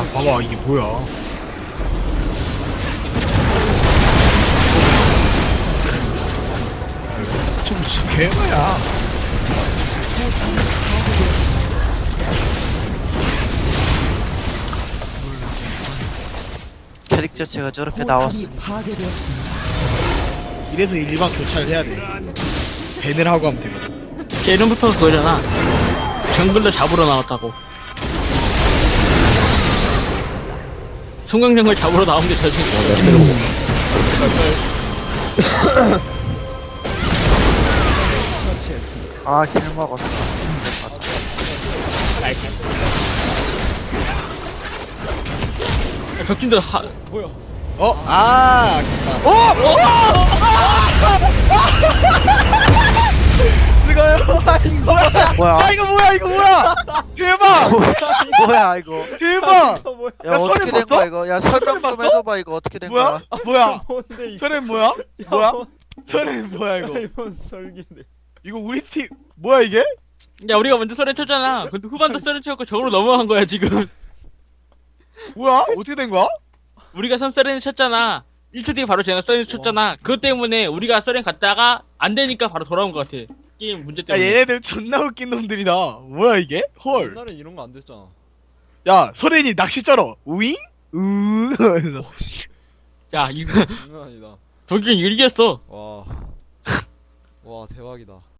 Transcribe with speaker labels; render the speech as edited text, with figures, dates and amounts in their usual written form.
Speaker 1: 야, 봐봐, 이게 뭐야. 좀 개마야.
Speaker 2: 캐릭 자체가 저렇게 나왔으니
Speaker 1: 이래서 일반 교차를 해야 돼. 밴을 하고 하면 되거든.
Speaker 3: 제 이름부터 그거잖아. 정글러 잡으러 나왔다고. 송강정글 잡으러 나온 게 저지.
Speaker 2: 아, 길 먹었어.
Speaker 3: 벽진들 하.
Speaker 1: 어? 아, 아깝다. 이거요?
Speaker 2: 뭐야?
Speaker 1: 아, 이거 뭐야, 이거 뭐야! 대박!
Speaker 2: 뭐야 이거?
Speaker 1: 대박!
Speaker 2: 야,
Speaker 1: 야,
Speaker 2: 어떻게
Speaker 1: 설이
Speaker 2: 된
Speaker 1: 봤어?
Speaker 2: 거야 이거? 야, 설명 좀 해줘봐 이거 어떻게 된
Speaker 1: 뭐야?
Speaker 2: 거야?
Speaker 1: 뭐야?
Speaker 4: 뭔데 이거?
Speaker 1: 설엔 뭐야? 뭐야? 설엔 뭐야, 이거?
Speaker 4: 아이폰 설계네.
Speaker 1: 이거 우리 팀, 뭐야, 이게?
Speaker 3: 야 우리가 먼저 썰렌 쳤잖아. 근데 후반도 썰렌 쳤고 저으로 넘어간 거야 지금.
Speaker 1: 뭐야? 어떻게 된 거야?
Speaker 3: 우리가 선 썰렌 쳤잖아. 1초 뒤에 바로 쟤가 썰렌 쳤잖아. 그것 때문에 우리가 썰렌 갔다가 안 되니까 바로 돌아온 것 같아. 게임 문제
Speaker 1: 야,
Speaker 3: 때문에.
Speaker 1: 얘네들 존나 웃긴 놈들이다. 뭐야, 이게? 헐.
Speaker 4: 옛날엔 이런 거 안 됐잖아.
Speaker 1: 야, 설엔이 낚시 쩔어. 우잉? 이러면서.
Speaker 3: 야 이거
Speaker 4: 장난 아니다.
Speaker 3: 독일 이겼어.
Speaker 4: 와. 와, 대박이다.